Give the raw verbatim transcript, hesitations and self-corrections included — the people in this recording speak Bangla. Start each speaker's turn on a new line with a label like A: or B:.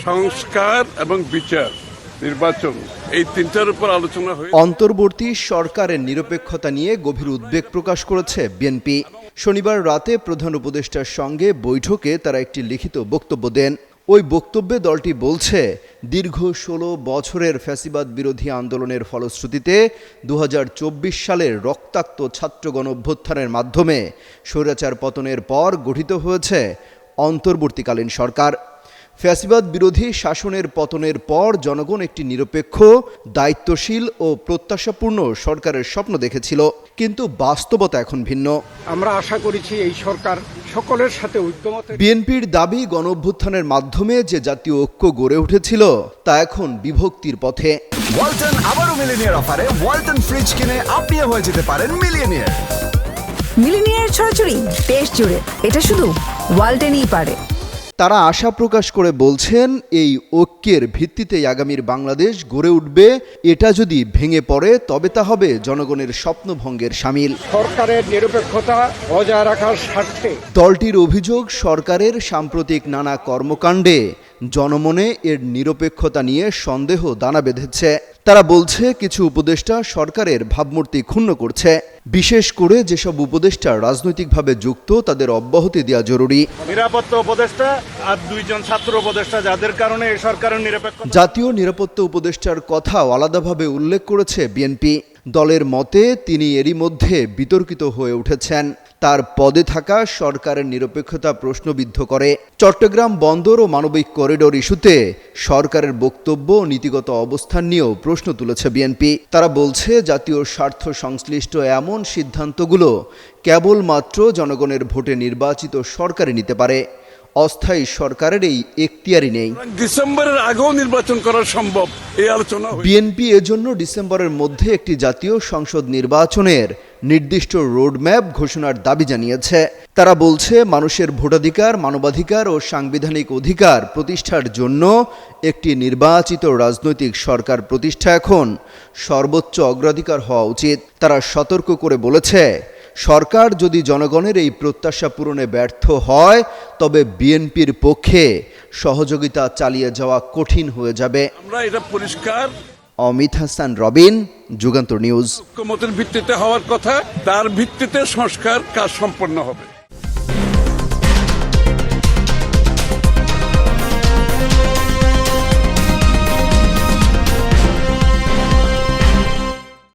A: সংস্কার এবং বিচার, নির্বাচন, এই তিনটার উপর আলোচনা হয়ে
B: অন্তর্বর্তী সরকারের নিরপেক্ষতা নিয়ে গভীর উদ্বেগ প্রকাশ করেছে বিএনপি। শনিবার রাতে প্রধান উপদেষ্টার সঙ্গে বৈঠকে তারা একটি লিখিত বক্তব্য দেন। ওই বক্তব্যে দলটি বলছে, দীর্ঘ ষোলো বছরের ফ্যাসিবাদ বিরোধী আন্দোলনের ফলশ্রুতিতে দু হাজার চব্বিশ সালের রক্তাক্ত ছাত্র গণঅভ্যুত্থানের মাধ্যমে স্বৈরাচার পতনের পর গঠিত হয়েছে অন্তর্বর্তীকালীন সরকার। ফ্যাসিবাদ বিরোধী শাসনের পতনের পর জনগণ একটি নিরপেক্ষ, দায়িত্বশীল ও প্রত্যাশাপূর্ণ সরকারের স্বপ্ন দেখেছিল, কিন্তু বাস্তবতা এখন ভিন্ন।
C: আমরা আশা করেছি এই সরকার সকলের সাথে ঐক্যমতে।
B: বিএনপির দাবি, গণঅভ্যুত্থানের মাধ্যমে যে জাতীয় ঐক্য গড়ে উঠেছিল তা এখন বিভক্তির পথে।
D: ওয়ালটন আবারও মিলিনিয়ার অফারে ওয়ালটন ফ্রিজ কিনে আপনিও হয়ে যেতে পারেন মিলিয়নিয়ার।
E: মিলিনিয়ার ছড়াছড়ি দেশ জুড়ে, এটা শুধু ওয়ালটনই পারে।
B: তারা আশা প্রকাশ করে বলছেন, এই ঐক্যের ভিত্তিতেই আগামীর বাংলাদেশ গড়ে উঠবে। এটা যদি ভেঙে পড়ে তবে তা হবে জনগণের স্বপ্নভঙ্গের শামিল।
C: সরকারের নিরপেক্ষতা বজায় রাখার স্বার্থে
B: দলটির অভিযোগ, সরকারের সাম্প্রতিক নানা কর্মকাণ্ডে জনমনে এর নিরপেক্ষতা নিয়ে সন্দেহ দানা বেঁধেছে। তারা বলছে, কিছু উপদেষ্টা সরকারের ভাবমূর্তি ক্ষুণ্ণ করছে। বিশেষ করে যেসব উপদেষ্টা রাজনৈতিকভাবে যুক্ত তাদের অব্যাহতি দেওয়া জরুরি।
F: নিরাপত্তা উপদেষ্টা আর দুইজন ছাত্র উপদেষ্টা, যাদের কারণে এই সরকারের নিরপেক্ষ
B: জাতীয় নিরাপত্তা উপদেষ্টার কথাও আলাদাভাবে উল্লেখ করেছে বিএনপি। দলের মতে তিনি এরই মধ্যে বিতর্কিত হয়ে উঠেছেন। তার পদে থাকা সরকারের নিরপেক্ষতা প্রশ্নবিদ্ধ করে। চট্টগ্রাম বন্দর ও মানবিক করিডোর ইস্যুতে সরকারের বক্তব্য ও নীতিগত অবস্থান নিয়েও প্রশ্ন তুলেছে বিএনপি। তারা বলছে, জাতীয় স্বার্থ সংশ্লিষ্ট এমন সিদ্ধান্তগুলো কেবলমাত্র জনগণের ভোটে নির্বাচিত সরকারই নিতে পারে। অস্থায়ী সরকারের এই এখতিয়ারই নেই।
A: ডিসেম্বরের আগেও নির্বাচন করা সম্ভব, এই আলোচনা।
B: বিএনপি এজন্য ডিসেম্বরের মধ্যে একটি জাতীয় সংসদ নির্বাচনের নির্দিষ্ট রোডম্যাপ ঘোষণার দাবি জানিয়েছে। তারা বলছে, মানুষের ভোটাধিকার, মানবাধিকার ও সাংবিধানিক অধিকার প্রতিষ্ঠার জন্য একটি নির্বাচিত রাজনৈতিক সরকার প্রতিষ্ঠা এখন সর্বোচ্চ অগ্রাধিকার হওয়া উচিত। তারা সতর্ক করে বলেছে, সরকার যদি জনগণের এই প্রত্যাশা পূরণে ব্যর্থ হয় তবে বিএনপির পক্ষে সহযোগিতা চালিয়ে যাওয়া কঠিন হয়ে যাবে।
A: আমরা এটা পরিষ্কার।
B: অমিত হাসান, রবিন, যুগান্তর নিউজ।
A: ঐক্যমতের ভিত্তিতে হওয়ার কথা, তার ভিত্তিতে সংস্কার কাজ সম্পন্ন হবে।